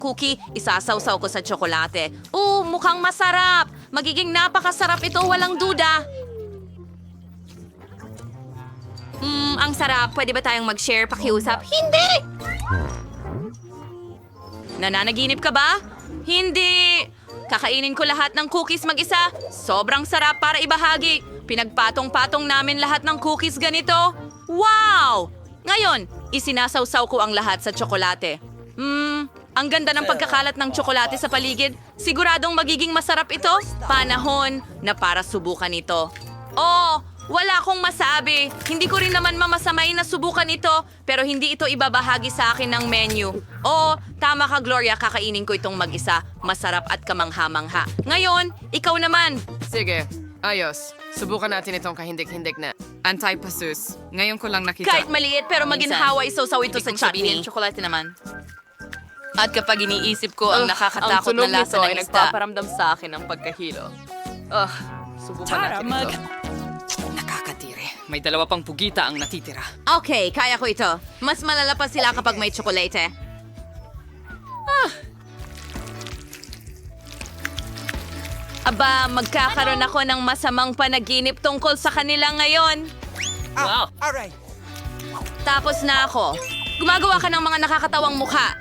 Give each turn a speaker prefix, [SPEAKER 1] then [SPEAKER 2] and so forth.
[SPEAKER 1] cookie, isasawsaw ko sa tsokolate. Mukhang masarap! Magiging napakasarap ito, walang duda. Ang sarap. Pwede ba tayong mag-share, pakiusap? Hindi! Nananaginip ka ba? Hindi! Kakainin ko lahat ng cookies mag-isa. Sobrang sarap para ibahagi. Pinagpatong-patong namin lahat ng cookies ganito. Wow! Ngayon, isinasawsaw ko ang lahat sa tsokolate. Ang ganda ng pagkakalat ng tsokolate sa paligid. Siguradong magiging masarap ito. Panahon na para subukan ito. Wala akong masabi. Hindi ko rin naman mamasamay na subukan ito, pero hindi ito ibabahagi sa akin ng menu. Tama ka, Gloria, kakainin ko itong mag-isa. Masarap at kamangha-mangha. Ngayon, ikaw naman.
[SPEAKER 2] Sige, ayos. Subukan natin itong kahindik-hindik na anti-pasus. Ngayon ko lang nakita.
[SPEAKER 1] Kahit maliit, pero maginhawa isaw-saw ito sa chutney.
[SPEAKER 3] Tsokolate naman. At kapag iniisip ko ang nakakatakot
[SPEAKER 2] tunog
[SPEAKER 3] na lasa
[SPEAKER 2] nito
[SPEAKER 3] ng
[SPEAKER 2] ay
[SPEAKER 3] isda,
[SPEAKER 2] nagpaparamdam sa akin ng pagkahilo. Subukan natin ito. Nakakatiri. May dalawa pang pugita ang natitira.
[SPEAKER 1] Okay, kaya ko ito. Mas malala pa sila kapag may tsokolate. Aba, magkakaroon ako ng masamang panaginip tungkol sa kanila ngayon.
[SPEAKER 2] Wow!
[SPEAKER 1] Tapos na ako. Gumagawa ka ng mga nakakatawang mukha.